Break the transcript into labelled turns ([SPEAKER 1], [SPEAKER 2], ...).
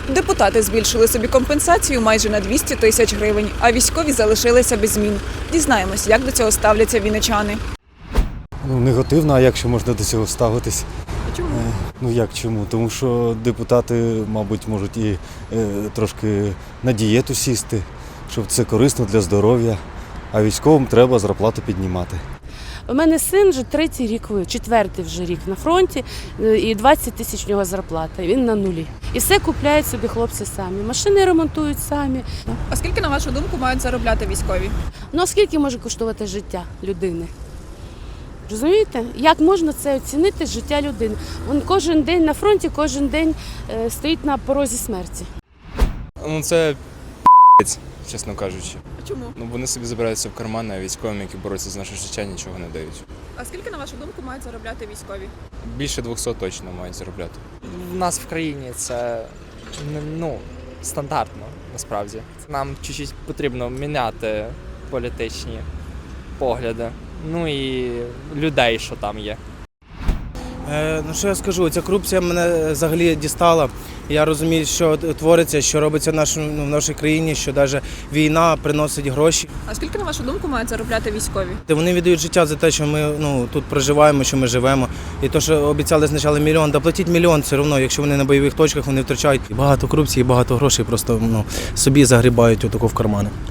[SPEAKER 1] Депутати збільшили собі компенсацію майже на 200 тисяч гривень, а військові залишилися без змін. Дізнаємось, як до цього ставляться вінничани.
[SPEAKER 2] Негативно, а як ще можна до цього ставитись?
[SPEAKER 1] Чому?
[SPEAKER 2] Як чому? Тому що депутати, мабуть, можуть і трошки на дієту сісти, щоб це корисно для здоров'я, а військовим треба зарплату піднімати.
[SPEAKER 3] У мене син вже третій рік, четвертий вже рік на фронті, і 20 тисяч в нього зарплата, він на нулі. І все купляють собі хлопці самі, машини ремонтують самі.
[SPEAKER 1] А скільки, на вашу думку, мають заробляти військові?
[SPEAKER 3] Ну а скільки може коштувати життя людини? Розумієте? Як можна це оцінити, життя людини? Він кожен день на фронті, кожен день стоїть на порозі смерті.
[SPEAKER 4] Це чесно кажучи.
[SPEAKER 1] А чому?
[SPEAKER 4] Вони собі забираються в кармани, а військовим, які борються за наше життя, нічого не дають.
[SPEAKER 1] А скільки, на вашу думку, мають заробляти військові?
[SPEAKER 4] Більше 200 точно мають заробляти.
[SPEAKER 5] В нас в країні це стандартно, насправді. Нам чуть-чуть потрібно міняти політичні погляди. І людей, що там є.
[SPEAKER 6] Що я скажу, ця корупція мене взагалі дістала. Я розумію, що твориться, що робиться в нашій країні, що навіть війна приносить гроші.
[SPEAKER 1] А скільки, на вашу думку, мають заробляти військові?
[SPEAKER 6] Вони віддають життя за те, що ми тут проживаємо, що ми живемо. І те, що обіцяли спочатку мільйон, да платіть мільйон все одно, якщо вони на бойових точках, вони втрачають багато корупції, багато грошей, просто собі загрібають отако в кармани.